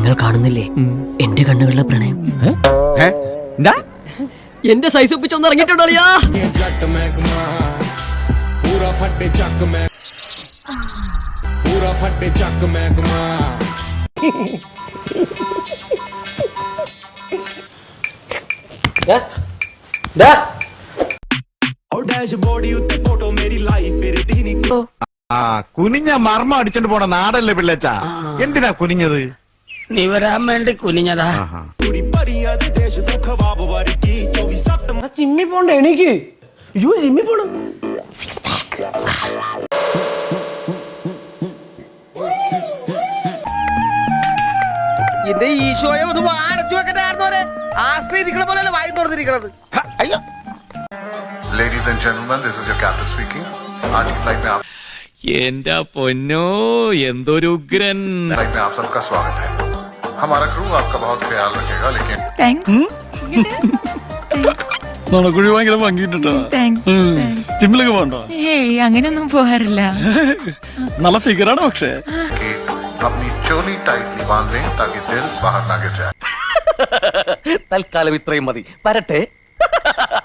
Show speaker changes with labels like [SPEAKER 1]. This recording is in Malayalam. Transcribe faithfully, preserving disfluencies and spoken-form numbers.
[SPEAKER 1] നിങ്ങൾ കാണുന്നില്ലേ എന്റെ കണ്ണുകളിലെ പ്രണയം? എന്റെ സൈസ് ഒപ്പിച്ചൊന്ന് ഇറങ്ങിയിട്ടുണ്ടോ?
[SPEAKER 2] കുനിഞ്ഞ മർമ്മ അടിച്ചോണ്ട് പോണ നാടല്ലേ പിള്ളേച്ചാ? എന്തിനാ കുനിഞ്ഞത്?
[SPEAKER 3] നീ വരാൻ വേണ്ടി കുനിഞ്ഞതാ.
[SPEAKER 4] ജിമ്മി പോണ്ട എനിക്ക്. അയ്യോ ജിമ്മി പോണം.
[SPEAKER 5] എന്റെ ഈശോയെ ഒന്ന് അടച്ചു വെക്കണ്ടായിരുന്നോരെ. ആശ്രയിരിക്കണ പോലെ വായി തുറന്നിരിക്കണത്. അയ്യോ.
[SPEAKER 6] Ladies and gentlemen, this is your captain speaking. आज की फ्लाइट में आप
[SPEAKER 7] എന്റെ പൊന്നോ എന്തൊരു ഉഗ്രൻ.
[SPEAKER 6] फ्लाइट में आप सबका स्वागत है. हमारा क्रू आपका बहुत ख्याल रखेगा, लेकिन
[SPEAKER 8] നടക്കുഴി ഭയങ്കര ഭംഗിട്ടോ. ജിമ്മിലൊക്കെ പോകണ്ടോ?
[SPEAKER 9] ഏയ് അങ്ങനെയൊന്നും പോകാറില്ല.
[SPEAKER 8] നല്ല ഫിഗറാണ് പക്ഷേ.
[SPEAKER 6] कि अपनी चोली टाइटली बांध लें ताकि दिल बाहर ना गिर जाए.
[SPEAKER 5] തൽക്കാലം ഇത്രയും മതി. വരട്ടെ.